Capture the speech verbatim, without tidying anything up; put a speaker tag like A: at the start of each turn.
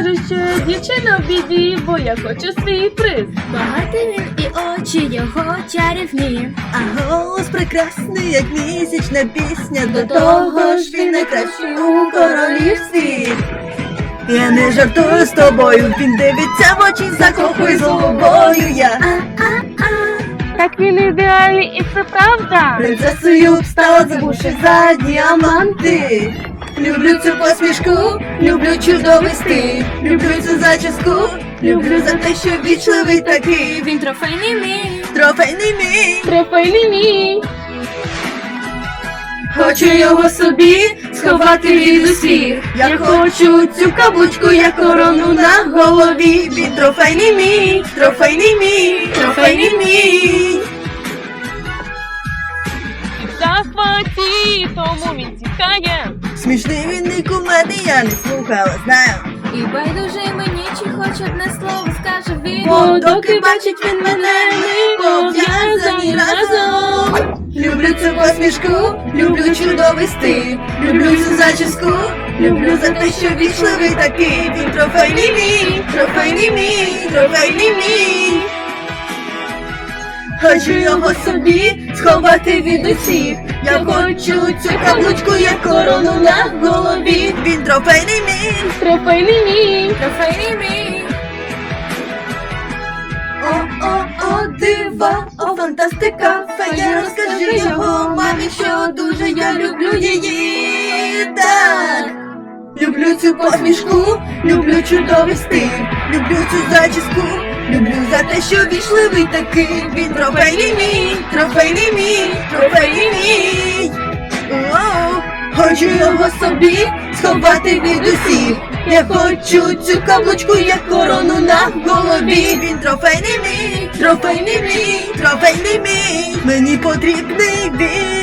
A: скажу, що дівчина в біді, бо я хочу свій приз.
B: Багатий він і очі його чарівні,
C: А голос прекрасний, як місячна пісня. До того ж він найкращий у королівстві. Я не жартую з тобою, він дивиться в очі, закохує з головою я.
A: Так він ідеальний і це правда.
C: Принцесою б стала, забувши за діаманти. Люблю цю посмішку, люблю чудовий стиль, люблю цю зачіску, люблю за те, що вічливий такий.
B: він трофейний мій.
C: Трофейний мій.
A: Трофейний мій.
C: Хочу його собі сховати від усіх. Я хочу цю каблучку, як корону на голові. Він трофейний мій, трофейний мій, трофейний мій.
A: В захваті, тому він тікає.
C: Смішний він і кумедний, я не слухала, знаю.
B: І байдуже мені, чи хоч одне слово скаже він.
C: Бо доки бачить він мене, ми пов'язані разом. Люблю цю посмішку, люблю чудовий стиль, люблю цю зачіску, люблю за те, що вічливий такий. Він трофейний мій, трофейний мій, трофейний мій. Хочу його собі сховати від усіх. Я хочу цю каблучку, як корону на голові. Він трофейний мій.
A: Трофейний мій.
B: Трофейний мій.
C: О-о-о, дива, о, фантастика, фея, розкажи його мамі, що дуже я люблю її. Так. Люблю цю посмішку, люблю чудовий стиль, люблю цю зачіску, люблю за те, що вічливий такий. Він трофейний мій, трофейний мій, трофейний мій. Оу. Хочу його собі сховати від усіх. Я хочу цю каблучку, як корону на голові. Він трофейний мій, трофейний мій, трофейний мій. Мені потрібний він.